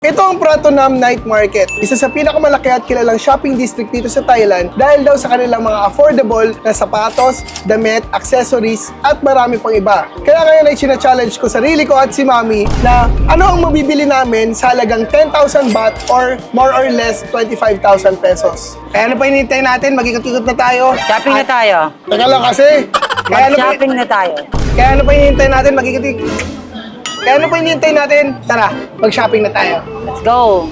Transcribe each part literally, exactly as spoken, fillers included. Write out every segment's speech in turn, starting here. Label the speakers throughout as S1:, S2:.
S1: Ito ang Pratunam Night Market, isa sa pinakamalaki at kilalang shopping district dito sa Thailand dahil daw sa kanilang mga affordable na sapatos, damit, accessories at marami pang iba. Kaya ngayon ay sina-challenge ko sarili ko at si Mami na ano ang mabibili namin sa halagang ten thousand baht or more or less twenty-five thousand pesos. Kaya ano pa hinihintay natin? Mag-ikot-ikot na tayo.
S2: Shopping na tayo.
S1: Teka lang kasi. Kaya ano pa,
S2: Mag-shopping na tayo.
S1: kaya ano pa hinihintay natin? Mag-ikot-ikot. Kaya ano pa hinihintay natin? Tara, mag-shopping na tayo.
S2: Let's go.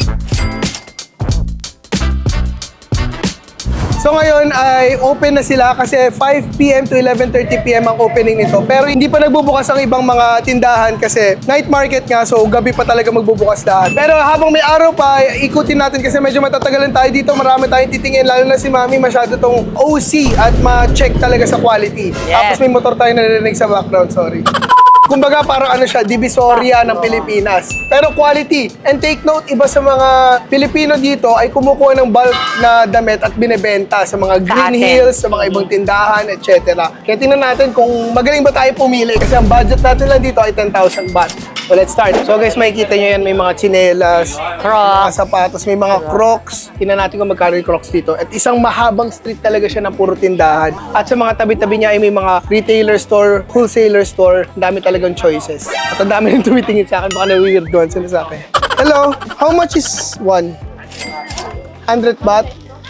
S1: So ngayon ay open na sila kasi five p m to eleven thirty p m ang opening nito. Pero hindi pa nagbubukas ang ibang mga tindahan kasi night market nga, so gabi pa talaga magbubukas lahat. Pero habang may araw pa, ikutin natin kasi medyo matatagalan tayo dito. Marami tayong titingin, lalo na si Mami masyado tong O C at ma-check talaga sa quality.
S2: Yes.
S1: Tapos may motor tayo narinig sa background, sorry. Kumbaga parang ano siya, divisoria ng Pilipinas. Pero quality. And take note, iba sa mga Pilipino dito ay kumukuha ng bulk na damit at binebenta sa mga Green
S2: atin.
S1: Hills, sa mga ibang tindahan, et cetera. Kaya tingnan natin kung magaling ba tayo pumili kasi ang budget natin lang dito ay ten thousand baht. So let's start. So guys, makikita nyo yan, may mga tsinelas, mga
S2: Crocs.
S1: sapatos, may mga Crocs. Tingnan natin kung magkano yung Crocs dito. At isang mahabang street talaga siya ng puro tindahan. At sa mga tabi-tabi niya ay may mga retailer store, wholesaler store. Ang dami talagang choices. At ang dami nang tumitingin sa akin, baka na-weirdoan sila sa akin. Hello, how much is one? one hundred baht?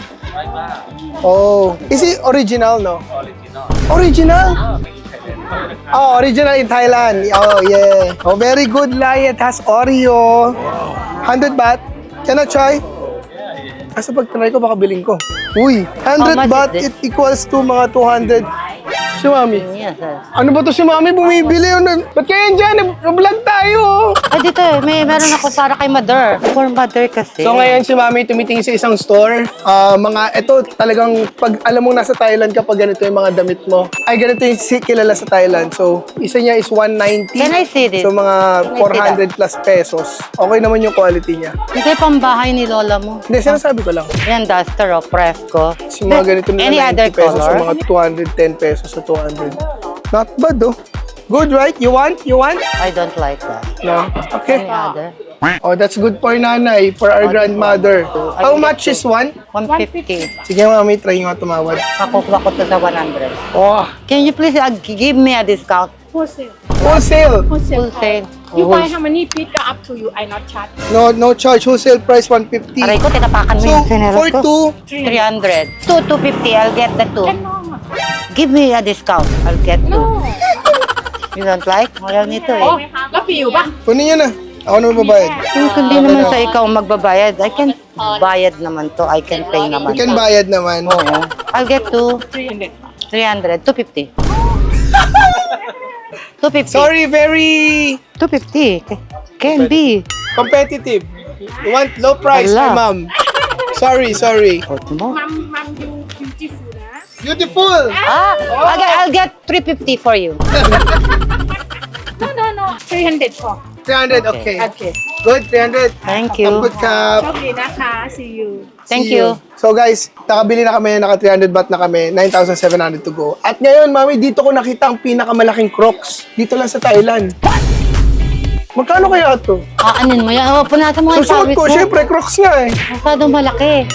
S1: Oh, is it original, no? Original. Original? Oh, original in Thailand. Oh, yeah. Oh, very good, Lai. It has Oreo. one hundred baht. Can I try? Kasi pag try ko, baka bilhin ko. Uy, one hundred
S2: How much
S1: baht,
S2: is
S1: it equals to mga two hundred. Si Mami.
S2: Yes, sir.
S1: Ano ba to si Mami? Bumibili yun. Ba't kaya yan dyan? Vlog tayo.
S2: Ay, dito eh. May meron ako para kay mother. For mother kasi.
S1: So ngayon si Mami tumitingin sa isang store. Ah, mga, ito talagang pag alam mo nasa Thailand kapag ganito yung mga damit mo. Ay, ganito yung si- kilala sa Thailand. So, isa niya is one ninety.
S2: Can I see this?
S1: So mga
S2: Can I see
S1: four hundred plus pesos. Okay naman yung quality niya.
S2: Hindi, pambahay ni lola mo.
S1: Hindi, sinasabi ko lang.
S2: Yan, duster o Fresco.
S1: So, mga ganito nila
S2: Any other
S1: ninety pesos
S2: color?
S1: sa mga two hundred ten pesos sa two hundred. Not bad, oh. Good, right? You want? You want?
S2: I don't like that.
S1: No? Okay.
S2: Any other?
S1: Oh, that's good for nanay, for our grandmother. How much is one?
S2: one fifty.
S1: Sige, Mami, try nyo nga tumawad.
S2: Makukuha ko to sa one hundred.
S1: Oh,
S2: Can you please uh, give me a discount?
S3: Wholesale.
S1: wholesale.
S3: Wholesale.
S2: Wholesale.
S3: You buy how many pick up to you, I not charge.
S1: No, no charge. Wholesale price one fifty.
S2: Aray ko, tinapakan mo
S1: So,
S2: yung sineros
S1: for
S2: ko.
S1: two,
S2: three hundred. two, two fifty. I'll get the two.
S3: No,
S2: Give me a discount. I'll get two.
S3: no.
S2: You don't like? Ayaw nito
S3: Oh,
S2: eh.
S3: lucky you ba?
S1: kunin nyo na. Ako na mababayad.
S2: Kung hindi naman sa ikaw magbabayad, I can bayad naman to. I can pay
S1: You
S2: naman
S1: can
S2: to.
S1: bayad naman.
S2: Oo. I'll get two.
S3: three hundred.
S2: three hundred. two fifty. two fifty.
S1: Sorry, very
S2: two fifty. Can be.
S1: competitive. You want low price,
S2: Ala.
S1: my mom. Sorry, sorry.
S2: Hold mo.
S3: Mom, mom, you beautiful na.
S1: Beautiful!
S2: Ah, I'll get, I'll get three fifty for you.
S3: No, no, no. three hundred for.
S1: three hundred, okay.
S3: Okay.
S1: Good, three hundred.
S2: Thank you.
S1: Good cup.
S3: Okay, naka. See you.
S2: Thank
S1: See
S2: you.
S1: So guys, nakabili na kami, naka three hundred baht na kami, nine thousand seven hundred to go. At ngayon, Mami, dito ko nakita ang pinakamalaking Crocs. Dito lang sa Thailand. Magkano kaya ito?
S2: Ah, anin mo yan? Oh, punata mo ang
S1: Susuot
S2: pawis
S1: ko,
S2: mo.
S1: syempre, Crocs nga eh.
S2: Masyadong malaki.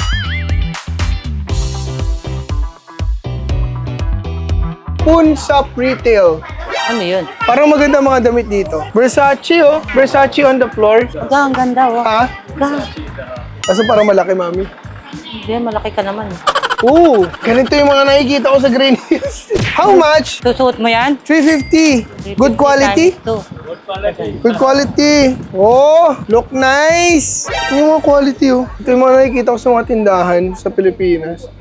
S1: Poon Shop Retail.
S2: Ano yun?
S1: Parang maganda mga damit dito. Versace, oh. Versace on the floor.
S2: Aga, ang ganda, oh.
S1: Ha?
S2: Aga.
S1: Kaso parang malaki, Mami.
S2: Hindi, malaki ka naman.
S1: Oo, ganito yung mga nakikita ko sa Green Hills. How much?
S2: Susuot mo yan?
S1: three fifty. Good quality?
S2: Times two.
S1: Good quality. Oh, look nice. Yung mga quality, oh. Ito yung mga nakikita ko sa mga tindahan sa Pilipinas.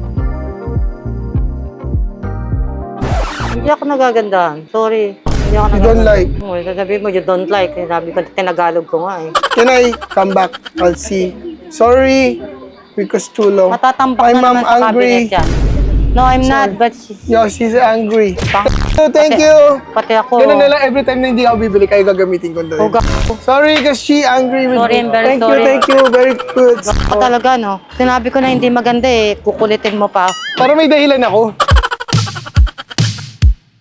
S2: Hindi ako nagagandahan. Sorry. Hindi ako
S1: You don't like?
S2: Oo, sasabihin mo, you don't like. Sabi ko, tinagalog ko nga eh.
S1: Can I come back? I'll see. Sorry, because too long.
S2: Matatampak
S1: My
S2: na
S1: mom
S2: naman sa
S1: angry.
S2: cabinet yan. No, I'm not, but she's...
S1: Yo, she's angry.
S2: Pang-
S1: So, thank
S2: Pati-
S1: you.
S2: Pati ako.
S1: Ganun na lang, every time na hindi ako bibili, kayo gagamitin ko doon.
S2: Uga.
S1: Sorry, because she angry with
S2: Sorry,
S1: me.
S2: I'm very
S1: thank
S2: sorry.
S1: you, thank you. Very good.
S2: Ako talaga, no? Sinabi ko na hindi maganda eh. Kukulitin mo pa.
S1: Para may dahilan ako.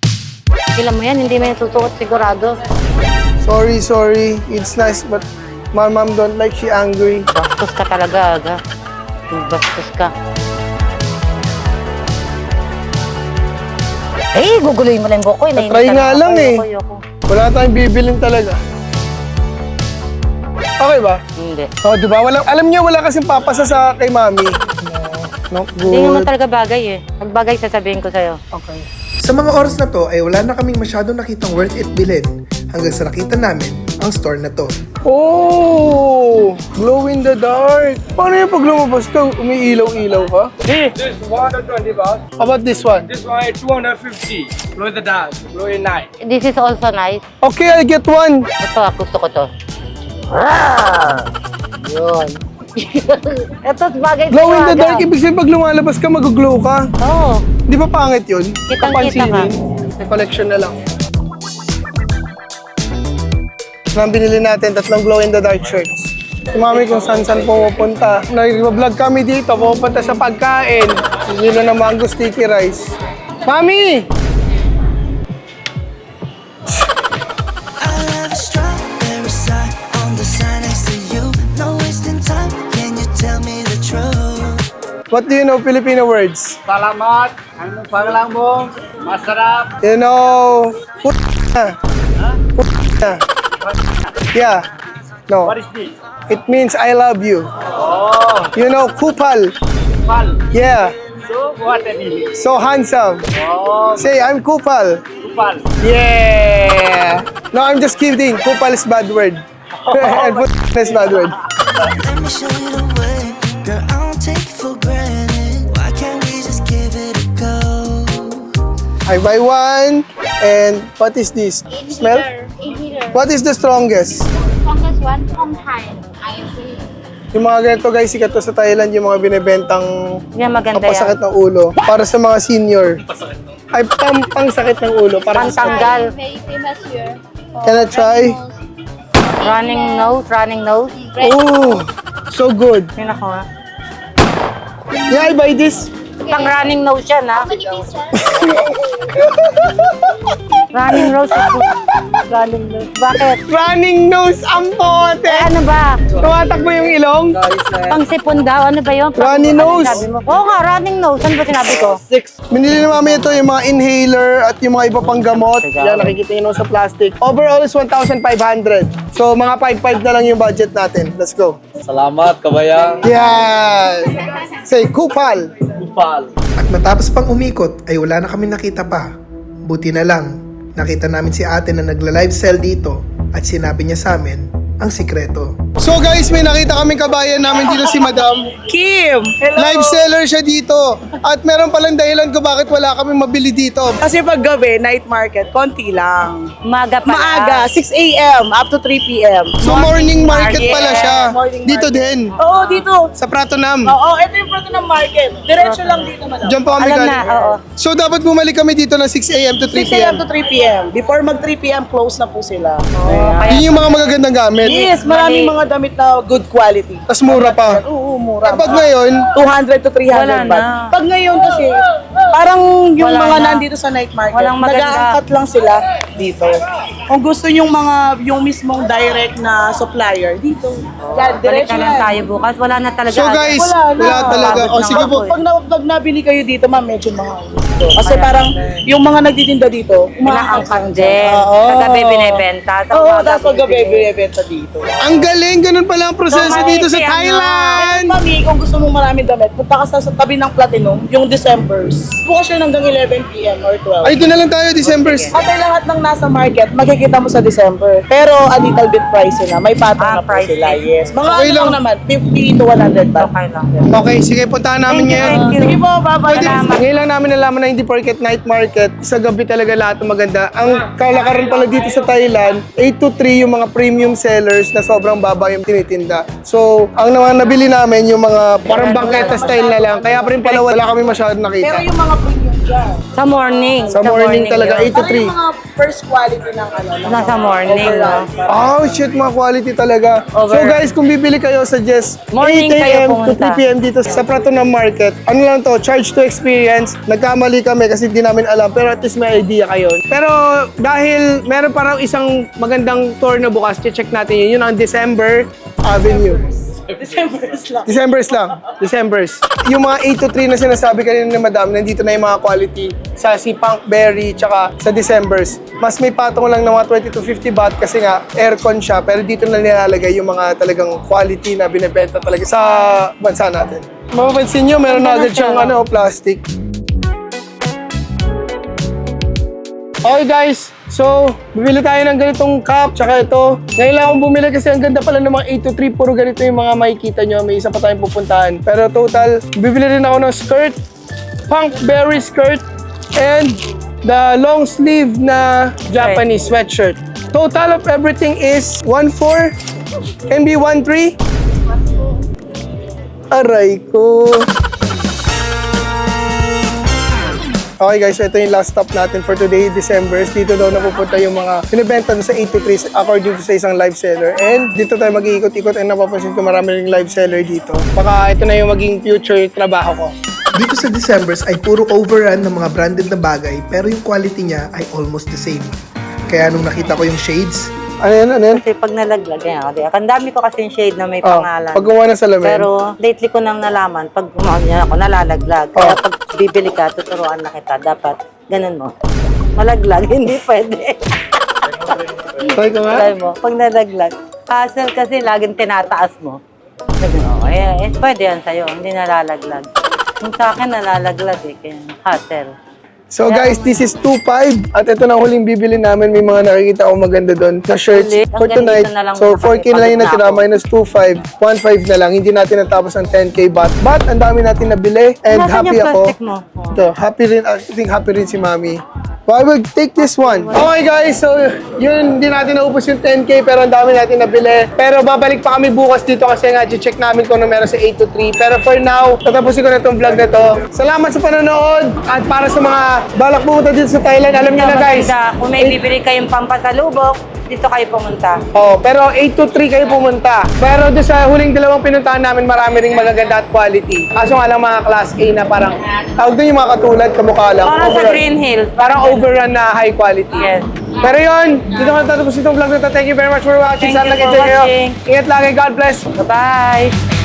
S2: Alam mo yan, hindi mo yan susuot sigurado.
S1: Sorry, sorry. It's nice, but My mom don't like, she angry.
S2: Bastos ka talaga, aga. Bastos ka. Eh, guguloyin mo lang yung buko. eh.
S1: Try nga lang eh.
S2: Ayoko, ayoko.
S1: Wala tayong bibilin talaga. Okay ba?
S2: Hindi.
S1: Oh, di ba? Walang, alam niyo, wala kasing papasa sa kay mami. No, no
S2: Hindi naman
S1: good.
S2: talaga bagay eh. Pag bagay, sasabihin ko sa'yo.
S1: Okay. Sa mga oras na to ay wala na kaming masyadong nakitang worth it bilhin hanggang sa nakita namin ang store na to. Oh! Glow in the dark. Paano yung pag lumabas ka, umiilaw-ilaw ka?
S4: This one hundred twenty baht.
S1: How about this one?
S4: This one is two hundred fifty. Glow in the dark. Glow in night.
S2: This is also nice.
S1: Okay, I'll get one.
S2: Ito, ah, gusto ko to. Ah! Yun. Ito, bagay
S1: Glow in
S2: sa'yo,
S1: the dark,
S2: aga.
S1: ibig sabihin pag lumalabas ka, mag-glow ka.
S2: Oo.
S1: Di ba pangit yun?
S2: Kitang-kita ka.
S1: May collection na lang. Nang binili natin, tatlong glow in the dark shirts. Si mami kung saan-saan pumupunta. Nag-vlog kami dito, pupunta sa pagkain. Nilo na mango sticky rice. Mami!
S5: I love a strawberry side on the side next to you. No wasting time. Can you tell me the truth?
S1: What do you know Filipino words?
S4: Salamat. Ano pangalan mo? Masarap.
S1: You know... Put na. Put na. Yeah. No.
S4: What is this?
S1: It means I love you.
S4: Oh,
S1: You know, kupal.
S4: kupal.
S1: Yeah.
S4: So, what that is?
S1: So handsome.
S4: Oh,
S1: Say, I'm kupal.
S4: kupal.
S1: Yeah. No, I'm just kidding. Kupal is bad word. And put is bad word.
S5: Let me show you the way. Girl, I don't take it for granted. Why can't we just give it a go?
S1: I buy one. And what is this? Smell?
S6: Inhaler.
S1: What is the strongest?
S6: Strongest one from Thailand. I see.
S1: Yung mga ganito guys, sikat to sa Thailand, yung mga binibentang
S2: Yan, maganda
S1: pampasakit
S2: yan.
S1: ng ulo. Para sa mga senior. Ay, pang, pang sakit ng ulo. Para sa
S2: Pantanggal.
S6: Very famous here. for
S1: Can I try?
S2: Running nose, running nose.
S1: Oh, so good.
S2: Yun ako ha.
S1: Yeah, I buy this.
S2: Pang running nose yan ha.
S6: How many pieces?
S2: Running nose. Running nose. Bakit?
S1: Running nose ang pote.
S2: Eh, ano ba?
S1: Tumatakbo yung ilong.
S2: Pang sipon daw. Ano ba yun? Pang,
S1: Running
S2: ano
S1: nose.
S2: Sabi mo? Oo nga, running nose. Ano ba sinabi ko?
S1: Binili na mami ito, yung mga inhaler at yung mga iba pang gamot. Yan, nakikita nyo sa plastic. Overall is one thousand five hundred. So, mga five five na lang yung budget natin. Let's go.
S4: Salamat, kabayang.
S1: Yan. Say, kupal.
S4: Kupal.
S1: At matapos pang umikot, ay wala na kami nakita pa. Buti na lang, nakita namin si ate na nagla-live sell dito at sinabi niya sa amin ang sikreto. So guys, may nakita kaming kabayan namin dito si Madam.
S7: Kim! Hello!
S1: Live seller siya dito. At meron palang dahilan ko bakit wala kami mabili dito.
S7: Kasi pag gabi, night market, konti lang.
S2: Maga pa.
S7: Maaga, six a.m. up to three p.m.
S1: So morning market pala siya.
S7: Morning
S1: Dito
S7: market.
S1: din.
S7: Oo, dito.
S1: Sa Pratunam.
S7: Oo, ito yung proto ng market. Diretso lang dito, madam.
S1: Diyan po kami
S2: Alam na,
S1: galing.
S2: oo.
S1: So dapat bumalik kami dito ng six a.m. to three
S7: six a.m.
S1: p.m.
S7: to three p.m. Before mag three p.m. close na po sila.
S2: Kaya,
S1: Yun yung mga magagandang gamit.
S7: Yes, maraming
S2: Mali.
S7: mga damit na good quality.
S1: Tapos mura pa.
S7: Oo, mura.
S1: Kapag ngayon,
S7: two hundred to three hundred
S2: Wala
S7: baht.
S2: na.
S7: Pag ngayon kasi, parang yung
S2: Wala
S7: mga
S2: na.
S7: nandito sa night market,
S2: Walang maganda.
S7: nag-aangkat lang sila dito. Kung gusto yung mga, yung mismong direct na supplier, dito. Yan,
S2: balik
S7: diretso
S2: na lang
S7: yan.
S2: tayo bukas. Wala na talaga.
S1: so guys,
S7: Wala na.
S1: wala talaga.
S2: Pagod
S1: O
S2: na
S1: sige
S2: ako
S1: po.
S2: eh.
S7: Pag, na, pag nabili kayo dito, ma'am, medyo mahal. Kasi
S2: Kaya,
S7: parang yung mga nagtitinda dito,
S2: Inaangkat din.
S7: Oo.
S2: Kagabi binibenta.
S7: Oo,
S2: umaga
S7: tapos paggabi,
S2: bibili.
S7: binibenta dito.
S1: Ang galing, ganun pala ang proseso
S2: So,
S1: dito sa
S2: Mami,
S1: Thailand.
S7: Mami, kung gusto mong maraming damit, punta ka sa, sa tabi ng Platinum, yung Decembers. Bukas siya hanggang eleven p.m. or twelve.
S1: Ay, doon na lang tayo, December.
S7: Kasi lahat ng nasa market, makikita mo sa December. Pero a little bit pricey na. May pattern
S2: Ah,
S7: na po
S2: pricey.
S7: sila, yes. Mga
S1: Okay
S7: ano
S1: lang.
S7: lang naman, fifty to one hundred baht.
S2: Okay lang.
S1: Okay, sige, puntahan namin
S2: Thank you,
S1: ngayon.
S2: thank you.
S7: Sige po, bye-bye.
S2: Salamat.
S1: Ngayon lang namin nalaman na hindi porket night market, sa gabi talaga lahat ng maganda. Ang kalakaran pala dito sa Thailand, eight to three yung mga premium sellers na sobrang baba yung tinitinda. So, ang naman nabili namin yung mga parang bangketa style na lang. Kaya pa rin pala wala kami masyadong
S7: Pero
S1: nakita.
S7: yung mga premium
S8: Sa morning.
S1: Sa morning talaga,
S8: yun.
S1: eight to
S7: Ano
S1: three.
S7: yung mga first quality ng ano? ng
S8: Nasa
S7: mga
S8: morning,
S7: overall?
S1: Oh, shit, mga quality talaga. So
S8: Over.
S1: guys, kung bibili kayo, suggest
S8: Morning
S1: eight a m
S8: kayo
S1: to
S8: pumunta.
S1: three p m dito sa Prato ng Market. Ano lang to, charge to experience. Nagkamali kami kasi hindi namin alam, pero at least may idea kayo. Pero dahil meron parang isang magandang tour na bukas, check natin yun. Yun ang December Avenue.
S7: December's lang.
S1: Decembers lang. Decembers. Yung mga eight to three na sinasabi kanina ni Madam, nandito na yung mga quality sa si Punk Berry tsaka sa Decembers. Mas may patong lang ng mga twenty to fifty baht kasi nga aircon siya, pero dito na nilalagay yung mga talagang quality na binebenta talaga sa bansa natin. Mapapansin nyo, meron na agad siyang ano, plastic. Okay guys, so bibili tayo ng ganitong cup tsaka ito. Ngayon lang akong bumili kasi ang ganda pala ng mga eight to three. Puro ganito yung mga makikita nyo. May isa pa tayong pupuntahan. Pero total, bibili rin ako ng skirt, Punk Berry skirt, and the long sleeve na Japanese sweatshirt. Total of everything is one four M B one three. Aray ko. Okay guys, so ito yung last stop natin for today, December. Dito daw napupunta yung mga binibenta doon sa eight to three according to sa isang live seller. And dito tayo mag-iikot-ikot and napapansin ko marami ring live seller dito. Baka ito na yung maging future trabaho ko.
S9: Dito sa Decembers ay puro overrun ng mga branded na bagay pero yung quality niya ay almost the same. Kaya nung nakita ko yung shades,
S1: Ano yan, ano yan?
S8: Kasi pag nalaglag, yan. Kasi ang dami ko kasi yung shade na may
S1: Oh,
S8: pangalan.
S1: pag gumawa ng salamin.
S8: Pero lately ko nang nalaman, pag gumawa niya ako, nalalaglag. Kaya pag bibili ka, tuturuan na kita. Dapat, ganun mo. Malaglag, hindi pwede.
S1: Try ko nga.
S8: Try mo, pag nalaglag. Hassle kasi laging tinataas mo. Sabi mo, eh, eh, pwede yan sa'yo, hindi nalalaglag. Kung sa akin, nalalaglag eh, kaya hassle.
S1: So guys, this is two five at ito na ang huling bibili namin. May mga nakikita akong maganda doon na shirts
S8: Ulit?
S1: for
S8: Hanggang
S1: tonight.
S8: dito na lang
S1: So
S8: muna
S1: four K
S8: kasi
S1: na lang yung
S8: pagod na
S1: natira,
S8: ako.
S1: minus two five, one five na lang. Hindi natin natapos ang ten K baht. But ang dami natin nabili and
S8: Nasaan
S1: happy
S8: yung
S1: ako.
S8: plastic mo? Oh.
S1: Ito, happy rin, I think happy rin si Mami. So I will take this one. Okay guys, so yun, hindi natin naupos yung ten K pero ang dami natin nabili. Pero babalik pa kami bukas dito kasi nga check namin kung ano meron sa eight to three. Pero for now, tatapusin ko na itong vlog na to. Salamat sa panonood at para sa mga balak pumunta dito sa Thailand, alam niyo na guys.
S8: Maganda. Kung may bibili kayong pampasalubok, dito kayo pumunta.
S1: Oh, pero eight to three kayo pumunta. Pero doon sa huling dalawang pinuntahan namin, marami ring magaganda at quality. Kaso nga lang mga class A na parang, tawag doon yung mga katulad, kamukha lang.
S8: Parang sa
S1: Overrun.
S8: Green Hills.
S1: Parang overrun na high quality.
S8: Yes.
S1: Pero yun, dito ko natatapos itong vlog na to. Thank you very much for watching.
S8: Thank
S1: Sana
S8: you for
S1: nag-enjoy kayo.
S8: watching.
S1: Ingat lagi. God bless.
S8: Bye-bye!